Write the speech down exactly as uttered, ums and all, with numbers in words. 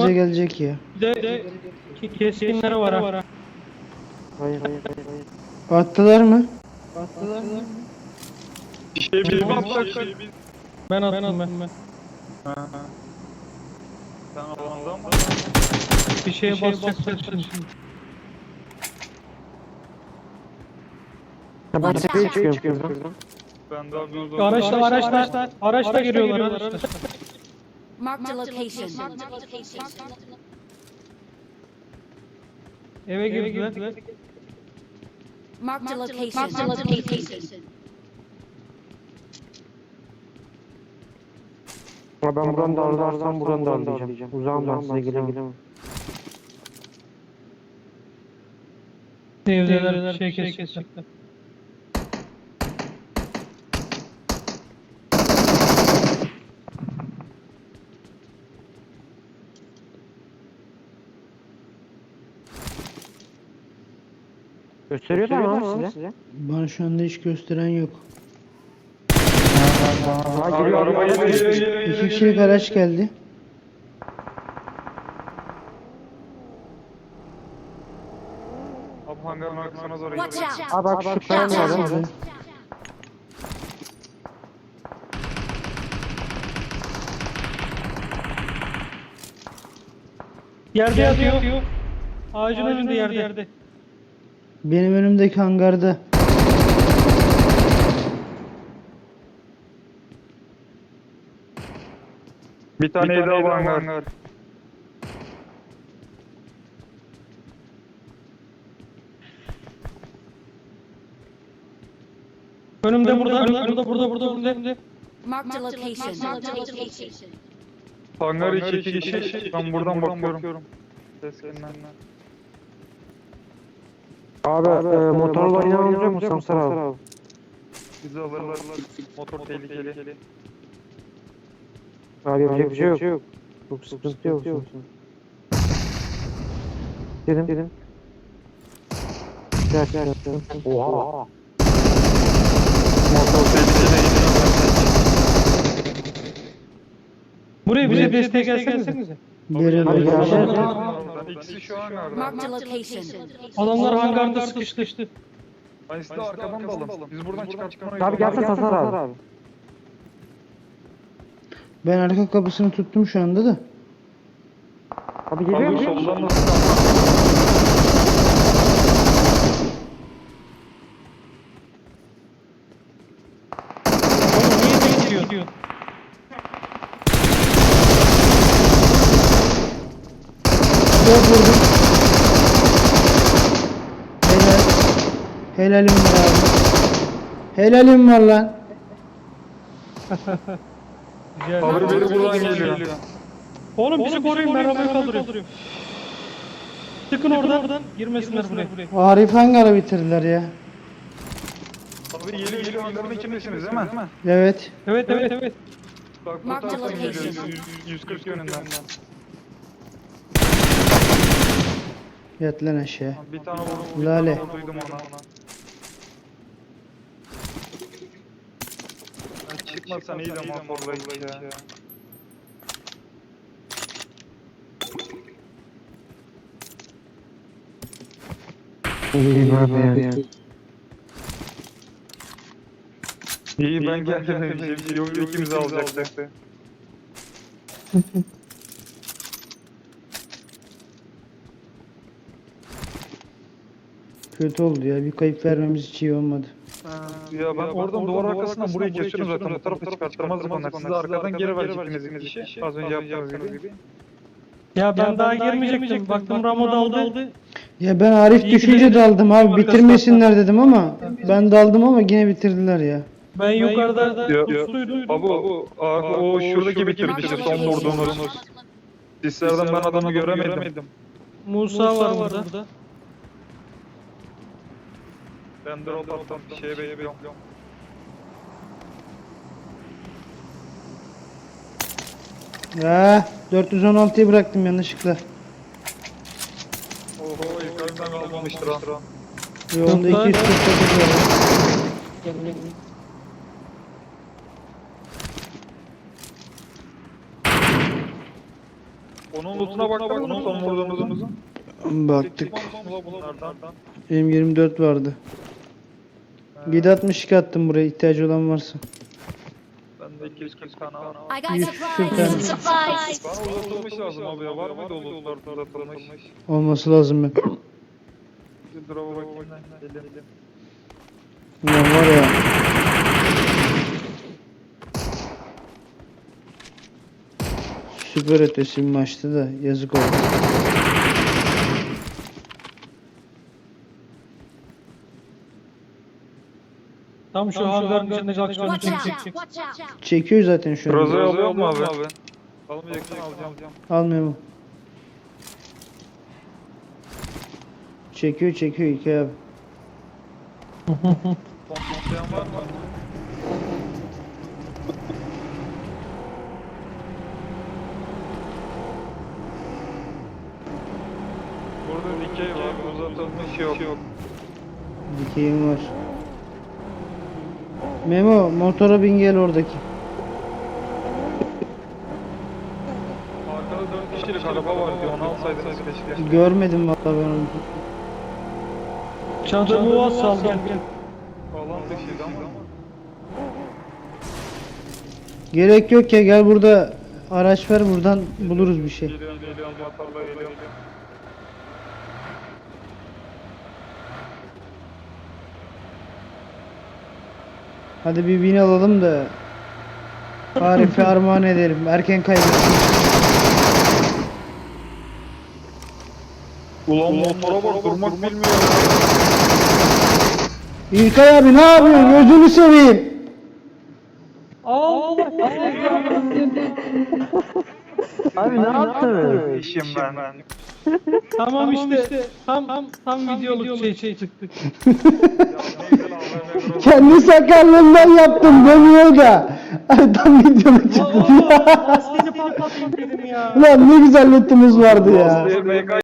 bize gelecek ya. Bir de, bir de ki- keskinleri var ha. Hayır hayır hayır hayır. Attılar mı? İşte bir baksak biz. Ben attım ben. ben. Sen alandan mı? Bir şeye basacaklar şimdi. Ya ben tepeye çıkıyorum şuradan. Ben daha bir Araçla araçla araçla geliyorlar araçla. Marked a location. Eve girdiler. Marked a location. Ya ben buradan da aralarsam buradan da aralayacağım. Uzağım ben size gelemem. Evdeler şey kesecekler. Gösteriyor da ama size. Bana şu anda hiç gösteren yok. Ha geliyor arabaya geliyor. İki kişilik araç geldi. Abi hangarın arkasına doğru Watch gidiyor. out. Ha bak şu kayanın var değil mi? Yerde yatıyor. Ağacın önünde yerde. yerde. Benim önümdeki hangarda. Bir tane daha var hangar. Önümde burada, burada, burada, burada, burada. Marked a location. Hangar içi iki kişi. Ben buradan bakıyorum. Keskinler. Abi, e, motorla oynamamız yok mu Samsar abi? Bizi alırlar. Motor tehlikeli. Abi yapacak bir şey yok. Çok sıkıntı yok. Dedim. Dedim. Gel gel gel. Oha. Motor tehlikeli. Buraya bize destek gelsenize. Biri Hadi burada. gel. İkisi şu hangarda. Marked a location. Adamlar hangarda sıkıştı. Hani siz de arkadan dalın. Biz buradan çıkartmayız. Abi gelsene Samsar abi. Ben arka kapısını tuttum şu anda da. Abi geliyor Abi mu? soldan nasıl? Oğlum niye bekliyor? Dört vurdum. Helal. Helalim var abi. Helalim var lan. Güzel. Abi biri buradan geliyor. Oğlum bizi koruyun, ben arabayı kaldırıyorum. Çıkın oradan, girmesinler buraya. Arif hangarı bitirdiler ya. Abi geliyor geliyor hangarın içindesiniz değil mi? Evet. Evet, evet, evet. Bak bu Mark the taraftan geliyor. location. yüz- yüz kırk yönünden. Yat lan aşağı. Bir tane vurdum. Lale. Duydum ona. Ya çıkmasan iyi de motorla git ya. İyi abi ya. İyi ben geldim. Bir şey yok ikimizi alacaktı. Kötü oldu ya. Bir kayıp vermemiz hiç iyi olmadı. Ya ben oradan duvar arkasından buraya kesiyorum zaten. Bu tarafta çıkartmazdık onlar. Siz de arkadan geri verecektiniz işi. Az önce yaptığınız gibi. Ya ben daha girmeyecektim. Baktım Ramo daldı. Ya ben Arif İyi düşünce ki- daldım abi. Bitirmesinler dedim ama ben daldım ama yine bitirdiler ya. Ben yukarıda Yo, pusluydum. Abi o, o şuradaki bitirdi işte son vurduğunuz. Sislerden ben adamı göremedim. Musa var burada. Ben drop attım bir şeye bekliyorum. Ya dört yüz on altıyı bıraktım yanlışlıkla. Oho yukarıdan kalmamıştır ha. Yolda iki yüz kırk dokuz var. Onun lootuna baktın mı son vurduğumuzun? Baktık. Bunlardan. M yirmi dört vardı. yedi altmış iki attım buraya, ihtiyacı olan varsa. Bende iki yüz kırk tane var. I got Yüz supplies. süper. Supplies. Bana uzatılmış lazım abi ya. Var mıydı o lootlar uzatılmış? Olması lazım ben. Bir drop'a bakayım ben. Elim. Ulan var ya. Süper ötesi bir maçtı da yazık oldu. Tam şu hangarın içinde Jackson'u Watch out. çekecek. Watch out. Çekiyor zaten şu an. Roza'yı alıyor mu abi? Almayacaksın alacağım. Almıyor mu? Çekiyor çekiyor iki abi. Pomplayan var mı? Burada dikey var, uzatılmış yok. Dikeyim var. Memo motora bin gel oradaki. Arkada dört kişilik araba var diyor, onu alsaydınız keşke. Görmedim vallahi ben onu. Çadırı var sal gel. Alan dışıydı ama. Gerek yok ya, gel burada araç ver, buradan buluruz bir şey. Geliyorum, geliyorum, motorla geliyorum. Hadi bir bin alalım da Arif'e armağan edelim. Erken kaybettik. Ulan motora bak, durmak bilmiyor. İlkay abi ne yapıyorsun? Gözünü seveyim. Allah. Abi ne yaptın? İşim ben. Tamam işte tam tam tam videoluk şey şey çıktık. Kendi sakallığından yaptım demiyor da. Tam videoda çıktı. Lastiğini patlatayım dedim ya. Ulan ne güzel loot'umuz vardı ya. M K